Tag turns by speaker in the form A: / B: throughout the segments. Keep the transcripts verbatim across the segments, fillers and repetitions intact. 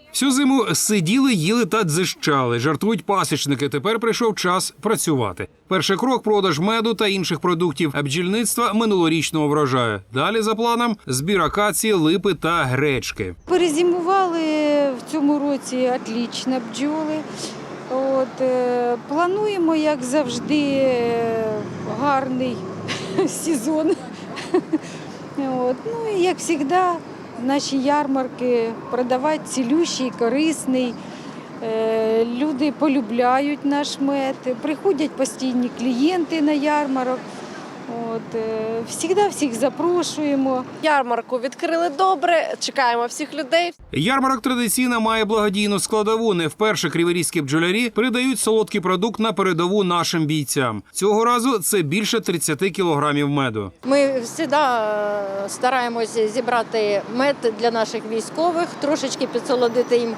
A: Всю зиму сиділи, їли та дзищали. Жартують пасічники. Тепер прийшов час працювати. Перший крок – продаж меду та інших продуктів бджільництва минулорічного врожаю. Далі за планом – збір акації, липи та гречки.
B: Перезимували в цьому році отлично бджоли. От, е, плануємо, як завжди, е, гарний сезон. От, ну і як завжди, наші ярмарки продавати цілющий, корисний. Е, люди полюбляють наш мед, приходять постійні клієнти на ярмарок. От, е, всігда всіх запрошуємо.
C: Ярмарку відкрили добре, чекаємо всіх людей.
A: Ярмарок традиційно має благодійну складову. Не вперше криворізькі бджолярі передають солодкий продукт на передову нашим бійцям. Цього разу це більше тридцяти кілограмів меду.
C: Ми завжди стараємося зібрати мед для наших військових, трошечки підсолодити їм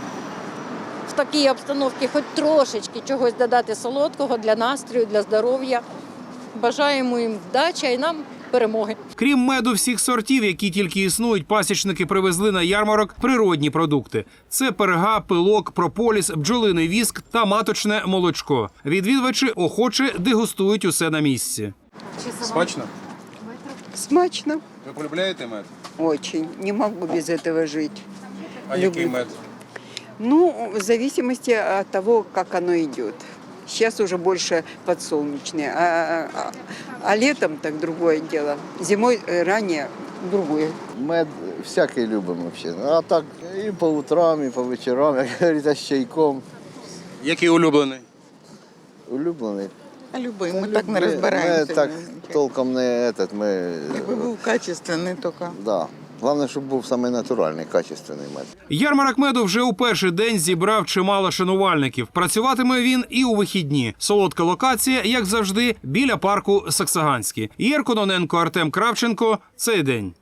C: в такій обстановці, хоч трошечки чогось додати солодкого для настрою, для здоров'я. Бажаємо їм вдачі і нам перемоги.
A: Крім меду всіх сортів, які тільки існують, пасічники привезли на ярмарок природні продукти. Це перга, пилок, прополіс, бджолиний віск та маточне молочко. Відвідувачі охоче дегустують усе на місці.
D: Смачно?
E: Смачно.
D: Ви полюбляєте мед?
E: Очень. Не могу без этого жить.
D: А
E: Люблю.
D: який мед?
E: Ну, в зависимости от того, как оно идет. Сейчас уже больше подсолнечные, а, а, а летом так другое дело. Зимой э, ранее другое.
F: Мед всякий любимо взагалі. А так і по утрам, і по вечорам, як говориться, з чайком.
D: Який улюблений?
F: Улюблений.
G: А любий, ми так не
F: Ми
G: розбираємося.
F: так толком не этот, ми,
G: Якби був качественний, тільки.
F: да. Головне, щоб був саме натуральний, качественний мед.
A: Ярмарок меду вже у перший день зібрав чимало шанувальників. Працюватиме він і у вихідні. Солодка локація, як завжди, біля парку Саксаганський. Ігор Кононенко, Артем Кравченко. Цей день.